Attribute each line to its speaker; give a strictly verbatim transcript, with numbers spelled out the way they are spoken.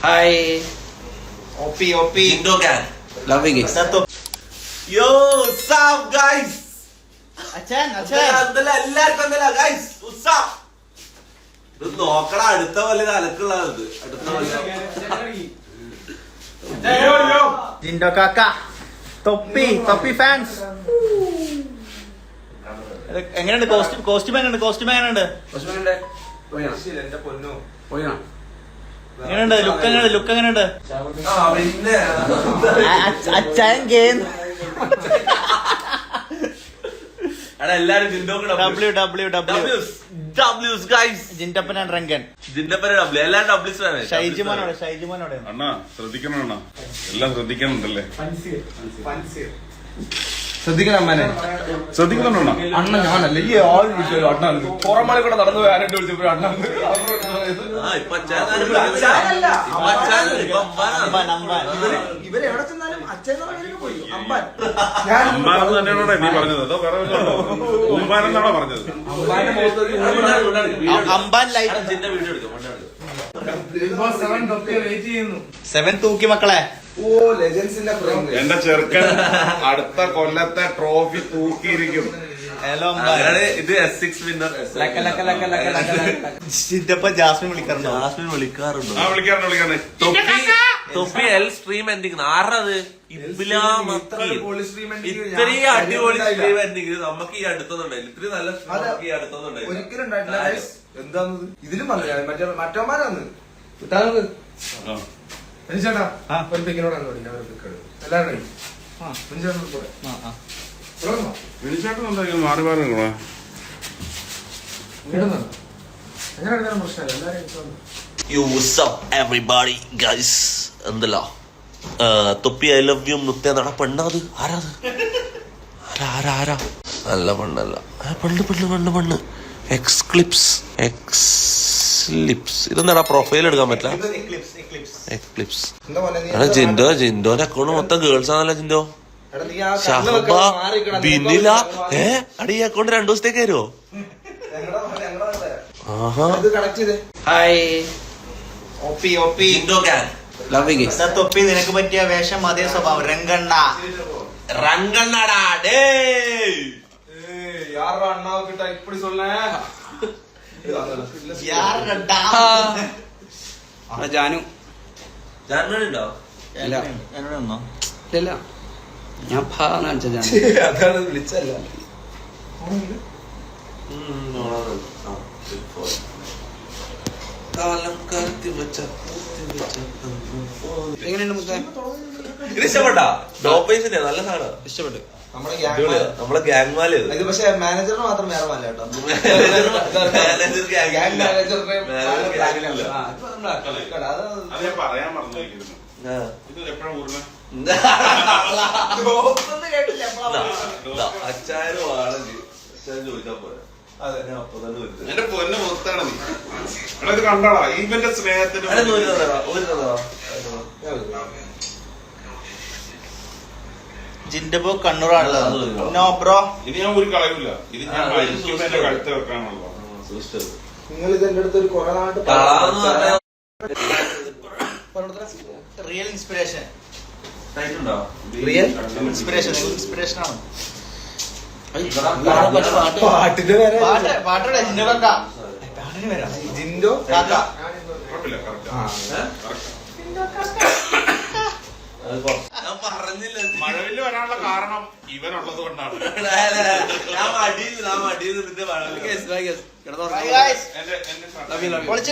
Speaker 1: Hi. O P, O P.
Speaker 2: Indo gang.
Speaker 1: Love you guys.
Speaker 2: Yo, what's up guys?
Speaker 1: അച്ഛൻ അച്ഛൻ
Speaker 2: എന്തല്ല എല്ലാവർക്കും എന്തല്ല guys? What's up? ഇത് നോക്കടാ അടുത്ത പോലെ അലക്കുള്ളത് അടുത്ത പോലെ.
Speaker 1: ജിൻഡോ കാക്ക തൊപ്പി തൊപ്പി ഫാൻസ് എങ്ങനെയുണ്ട് കോസ്റ്റ്യൂം കോസ്റ്റ്യൂം എങ്ങനെയുണ്ട് കോസ്റ്റ്യൂം എങ്ങനെയുണ്ട് എങ്ങനെയുണ്ട് ലുക്ക് എങ്ങനെയുണ്ട് ലുക്ക് എങ്ങനെയുണ്ട് അച്ഛൻ ഗെയിം
Speaker 2: എല്ലാരും
Speaker 1: W W W Jindappan and Rankan ഷൈജിമോനോടെ ഷൈജിമോനോടെ
Speaker 3: അണ്ണാ ശ്രദ്ധിക്കണം അണ്ണാ എല്ലാം ശ്രദ്ധിക്കണുണ്ടല്ലേ
Speaker 4: ശ്രദ്ധിക്കണം അമ്മനെ
Speaker 3: ശ്രദ്ധിക്കുന്നുണ്ടോ
Speaker 4: അണ്ണ ഞാനല്ല ഈ ആൾ വിളിച്ചോ അണ്ണ പുറമണി കൂടെ നടന്നു പോയാനായിട്ട് വിളിച്ചപ്പോ അണ്ണ ഇവര് എവിടെ ചെന്നാലും അച്ഛൻ പോയി അമ്പാൻ
Speaker 3: അമ്പാൻ തന്നെയാണോ നീ പറഞ്ഞത് അതോ വേറെ ഉമ്പാനെന്നാണോ പറഞ്ഞത്
Speaker 1: അമ്പാൻ ലൈറ്റ് സെവൻ തൂക്കി മക്കളെ
Speaker 4: ഓ ലെജൻസിന്റെ
Speaker 3: എന്റെ ചെറുക്കൻ അടുത്ത കൊല്ലത്തെ ട്രോഫി തൂക്കിയിരിക്കും.
Speaker 1: ഹലോ
Speaker 2: ഇത് S six winner
Speaker 1: Jindappan Jasmine വിളിക്കാറുണ്ടോ
Speaker 2: ജാസ്മിൻ വിളിക്കാറുണ്ടോ
Speaker 3: ആ വിളിക്കാറുണ്ട് വിളിക്കാറുണ്ട്
Speaker 2: തൊപ്പി തൊപ്പി എൽ സ്ട്രീം എൻഡിങ് ആറത് ഇത്രയും അടിപൊളി സ്ട്രീം എൻഡിങ് നമുക്ക് ഈ അടുത്തൊന്നുണ്ടായില്ല ഇത്രയും നല്ല സ്ട്രീം ഈ അടുത്തൊന്നുണ്ടായില്ല
Speaker 4: ഒരിക്കലും ഉണ്ടായിട്ടില്ല എന്താന്ന് ഇതിലും വന്നു മറ്റേ മറ്റോമാരാന്ന് ചേട്ടാ ഒരു പിക്കിനോടാണ് എല്ലാവരും
Speaker 3: വിളിച്ചാട്ടും മാറി മാറി നിൽക്കണേ
Speaker 4: അങ്ങനെ പ്രശ്നമല്ല എല്ലാവരും
Speaker 2: Yo, what's up everybody guys എന്തല്ലോ തൊപ്പി ഐ ലവ് യു മുത്തേ നട പെണ്ണത് ആരാത് ആരാ ആരാ ആരാ നല്ല പെണ്ണല്ല പെണ്ണ് പെണ്ണ് പെണ്ണ് പെണ്ണ് എക്സ് ക്ലിപ്സ് എക്സ് ലിപ്സ് ഇതെന്താടാ പ്രൊഫൈൽ എടുക്കാൻ പറ്റില്ല എക്ലിപ്സ് ജിൻഡോ ജിൻഡോന്റെ അക്കൗണ്ട് മൊത്തം ഗേൾസ് ആണല്ലോ ജിൻഡോ ഷഹബ ബിനില ഏ അടി ഈ അക്കൗണ്ട് രണ്ടു ദിവസത്തേക്ക് വരുമോ
Speaker 1: hi O P, O P.
Speaker 2: Jindo gang.
Speaker 1: Love you guys. തൊപ്പി നിനക്ക് പറ്റിയ വേഷം അതേ സ്വഭാവം രംഗണ്ണ
Speaker 2: രംഗണ്ണടാ ഡേ
Speaker 4: யாரா அண்ணாவை கிட்ட இப்படி சொன்னேன்
Speaker 1: ജാനു
Speaker 2: ജാനുണ്ടോ
Speaker 1: എന്നോടൊന്നോ
Speaker 5: ഇല്ല ഞാൻ കാണിച്ച ഞാൻ
Speaker 4: അതാണ് വിളിച്ചല്ല
Speaker 5: എങ്ങനെയുണ്ട് മുത്തേ
Speaker 2: ഇത് ഇഷ്ടപ്പെട്ടാ ഡോപ്പേഴ്സിന്റെ നല്ല സാധനം
Speaker 5: ഇഷ്ടപ്പെട്ടു
Speaker 2: നമ്മളെ ഗ്യാങ് മാല്
Speaker 4: ഇത് പക്ഷെ മാനേജറിന് മാത്രം വേറെ മല്ല കേട്ടോ
Speaker 3: പറയാൻ മറന്നിരിക്കുന്നു ഇത് എപ്പോഴാ ഊർണ്ണ
Speaker 2: അച്ചാരും ആണെങ്കിൽ അച്ചാൻ ചോദിച്ചാ പോരാ അതെ ഞാൻ അപ്പൊ തന്നെ
Speaker 3: എന്റെ പൊന്നെ മൊത്താണ് നീ എടാ ഇത് കണ്ടാടാ ഇവന്റെ സ്നേഹത്തിന്
Speaker 1: ജിൻഡപ്പോ കണ്ണൂറാണല്ലോ നോ ബ്രോ
Speaker 3: ഇത് ഞാൻ ഒരു കളയൂല ഇത് ഞാൻ മരിക്കുമ്പോ എന്റെ കഴുത്ത് വെക്കാനുള്ളൂ
Speaker 4: നിങ്ങൾ ഇത് എന്റെ അടുത്ത് ഒരു കുറെ നാട്ട്
Speaker 1: real inspiration
Speaker 4: real
Speaker 1: inspiration inspiration ആണ്
Speaker 4: പാട്ടിന്റെ പേര്
Speaker 1: പാട്ട് പാട്ടോടെ ജിൻഡോ കാക്ക പാട്ടിന് വരാം
Speaker 4: ജിൻഡോ
Speaker 1: കാക്ക
Speaker 3: കുഴപ്പമില്ല
Speaker 2: പറഞ്ഞില്ല
Speaker 3: മഴവില് വരാനുള്ള കാരണം ഇവനുള്ളത് കൊണ്ടാണ്
Speaker 2: ഞാൻ മടിയിൽ ഞാൻ മടിയിൽ നിന്നിട്ട്
Speaker 1: Bye guys.
Speaker 3: എന്റെ എന്റെ